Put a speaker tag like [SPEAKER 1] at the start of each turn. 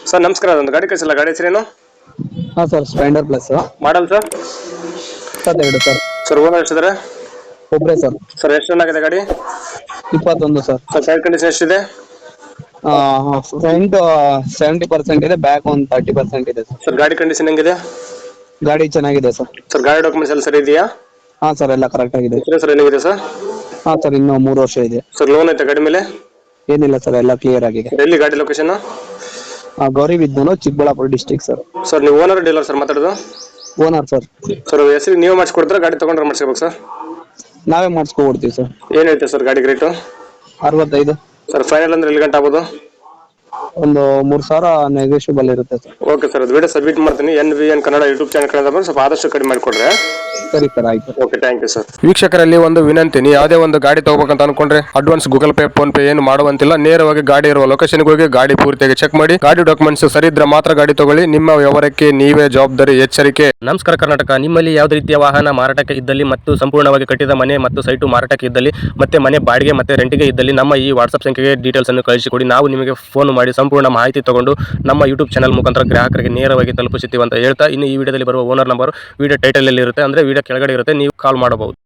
[SPEAKER 1] Sir ನಮಸ್ಕಾರ, ಒಂದು ಗಾಡಿ ಕಳಿಸಿಲ್ಲ, ಗಾಡಿ ಹೆಸರೇನು?
[SPEAKER 2] ಹಾಂ sir, Splendor plus
[SPEAKER 1] model sir?
[SPEAKER 2] 22 sir.
[SPEAKER 1] Sir owner ಎಷ್ಟಿದ್ದಾರೆ?
[SPEAKER 2] ಒಬ್ಬರೇ ಸರ್.
[SPEAKER 1] ಸರ್ ಎಷ್ಟು ರನ್ ಆಗಿದೆ ಗಾಡಿ?
[SPEAKER 2] 21 ಸರ್.
[SPEAKER 1] ಸರ್ ಟೈರ್ ಕಂಡೀಷನ್ ಎಷ್ಟಿದೆ?
[SPEAKER 2] ಫ್ರಂಟ್ 70% ಇದೆ, ಬ್ಯಾಕ್ ಒಂದು 30% ಇದೆ ಸರ್.
[SPEAKER 1] ಸರ್ ಗಾಡಿ ಕಂಡೀಷನ್ ಹೆಂಗಿದೆ?
[SPEAKER 2] ಗಾಡಿ ಚೆನ್ನಾಗಿದೆ ಸರ್.
[SPEAKER 1] ಸರ್ ಗಾಡಿ ಡಾಕ್ಯುಮೆಂಟ್ಸ್ ಎಲ್ಲ ಸರಿ ಇದೆಯಾ?
[SPEAKER 2] ಹಾಂ ಸರ್, ಎಲ್ಲ ಕರೆಕ್ಟ್ ಆಗಿದೆ.
[SPEAKER 1] ಸರ್ ಏನಿದೆ ಸರ್?
[SPEAKER 2] ಹಾಂ ಸರ್, ಇನ್ನೂ 3 ವರ್ಷ ಇದೆ.
[SPEAKER 1] ಸರ್ ಲೋನ್ ಐತೆ ಗಾಡಿ ಮೇಲೆ?
[SPEAKER 2] ಏನಿಲ್ಲ ಸರ್, ಎಲ್ಲ ಕ್ಲಿಯರ್ ಆಗಿದೆ.
[SPEAKER 1] ಎಲ್ಲಿ ಗಾಡಿ location?
[SPEAKER 2] Gauribidanur, Chikkaballapur district sir.
[SPEAKER 1] Sir ನೀವು ಓನರ್ ಡೀಲರ್ ಸರ್ ಮಾತಾಡೋದು?
[SPEAKER 2] Owner sir.
[SPEAKER 1] ಸರ್ ಹೆಸರು ನೀವು ಮಾಡಿಸ್ಕೊಡ್ತಾರೆ, ಗಾಡಿ ತೊಗೊಂಡ್ರೆ ಮಾಡಿಸ್ಕೋಬೇಕು ಸರ್?
[SPEAKER 2] ನಾವೇ ಮಾಡಿಸ್ಕೊಡ್ತೀವಿ ಸರ್.
[SPEAKER 1] ಏನು ಹೇಳ್ತೀವಿ ಸರ್ ಗಾಡಿಗೆ ರೇಟು?
[SPEAKER 2] 65.
[SPEAKER 1] ಸರ್ ಫೈನಲ್ ಅಂದ್ರೆ ಎಲ್ಲಿ ಗಂಟೆ ಆಗ್ಬೋದು?
[SPEAKER 2] ಒಂದು 3,000 ನೆಗೋಷಿಯಬಲ್ ಇರುತ್ತೆ ಸರ್.
[SPEAKER 1] ಓಕೆ ಸರ್, ಅದು ವಿಡಿಯೋ ಸಬ್ಮಿಟ್ ಮಾಡ್ತೀನಿ. NVN Kannada YouTube channel Kannada ಬಂದು ಸ್ವಲ್ಪ ಆದಷ್ಟು ಕಡಿಮೆ ಮಾಡಿಕೊಡ್ರೆ.
[SPEAKER 2] ಸರಿ ಸರ್, ಆಯ್ತು.
[SPEAKER 1] Okay, thank you sir. ವೀಕ್ಷಕರಲ್ಲಿ ಒಂದು ವಿನಂತಿ, ನೀವು ಯಾವುದೇ ಒಂದು ಗಾಡಿ ತಗೋಬೇಕಂತ ಅನ್ಕೊಂಡ್ರೆ advance Google Pay, PhonePe ಏನು ಮಾಡುವಂತಿಲ್ಲ. ನೇರವಾಗಿ ಗಾಡಿ ಇರುವ ಲೊಕೇಶನ್ಗೆ ಹೋಗಿ ಗಾಡಿ ಪೂರ್ತಿಯಾಗಿ ಚೆಕ್ ಮಾಡಿ, ಗಾಡಿ ಡಾಕ್ಯುಮೆಂಟ್ಸ್ ಸರಿ ಇದ್ರೆ ಮಾತ್ರ ಗಾಡಿ ತಗೊಳ್ಳಿ. ನಿಮ್ಮ ವ್ಯವಹಾರಕ್ಕೆ ನೀವೇ ಜವಾಬ್ದಾರಿ, ಎಚ್ಚರಿಕೆ.
[SPEAKER 3] ನಮಸ್ಕಾರ ಕರ್ನಾಟಕ. ನಿಮ್ಮಲ್ಲಿ ಯಾವುದೇ ರೀತಿಯ ವಾಹನ ಮಾರಾಟಕ್ಕೆ ಇದ್ದಲ್ಲಿ ಮತ್ತು ಸಂಪೂರ್ಣವಾಗಿ ಕಟ್ಟಿದ ಮನೆ ಮತ್ತು ಸೈಟು ಮಾರಾಟಕ್ಕೆ ಇದ್ದಲ್ಲಿ ಮತ್ತೆ ಮನೆ ಬಾಡಿಗೆ ಮತ್ತೆ ರೆಂಟಿಗೆ ಇದ್ದಲ್ಲಿ ನಮ್ಮ ಈ ವಾಟ್ಸ್ಆಪ್ ಸಂಖ್ಯೆಗೆ ಡೀಟೇಲ್ಸ್ ಅನ್ನು ಕಳಿಸಿಕೊಡಿ. ನಾವು ನಿಮಗೆ ಫೋನ್ ಮಾಡಿ ಸಂಪೂರ್ಣ ಮಾಹಿತಿ ತಗೊಂಡು ನಮ್ಮ ಯೂಟ್ಯೂಬ್ ಚಾನಲ್ ಮುಖಾಂತರ ಗ್ರಾಹಕರಿಗೆ ನೇರವಾಗಿ ತಲುಪಿಸುತ್ತೀವಿ ಅಂತ ಹೇಳ್ತಾ, ಇನ್ನು ಈ ವಿಡಿಯೋದಲ್ಲಿ ಬರುವ ಓನರ್ ನಂಬರ್ ವಿಡಿಯೋ ಟೈಟಲ್ ಅಲ್ಲಿ ಇರುತ್ತೆ, ಅಂದ್ರೆ ವಿಡಿಯೋ ಕೆಳಗಡೆ ಇರುತ್ತೆ, ನೀವು ಕಾಲ್ ಮಾಡಬಹುದು.